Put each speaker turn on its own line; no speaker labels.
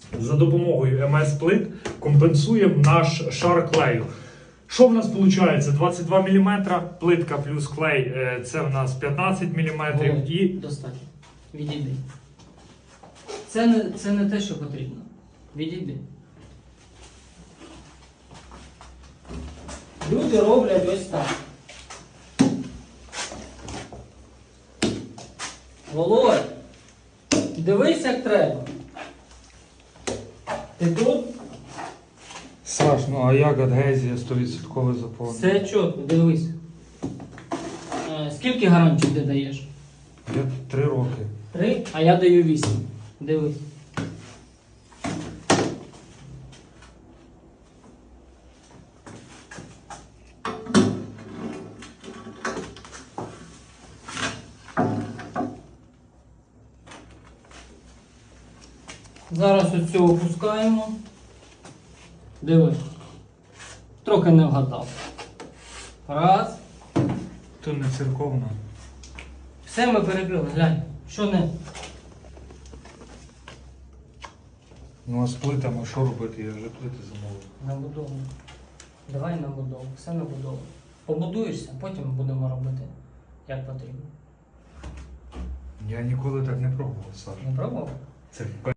за допомогою МС-плит компенсуємо наш шар клею. Що в нас виходить? 22 мм, плитка плюс клей це в нас 15 мм і...
Достатньо. Відійди. Це не те, що потрібно. Відійди. Люди роблять ось так. Володь, дивись, як треба. Ти тут?
Саш, ну а як адгезія 100% заповнена?
Все чітко, дивись. Скільки гарантій ти даєш?
Я 3 роки.
3, а я даю 8. Дивись. Зараз ось цього опускаємо. Диви. Трохи не вгадав. Раз.
То не церковна.
Все ми перекрили, глянь. Що не?
Ну а з плитами що робити? Я вже плити замовив.
Набудову. Давай набудову. Все набудову. Побудуєшся, потім будемо робити як потрібно.
Я ніколи так не пробував, Саш.
Не пробував?
Це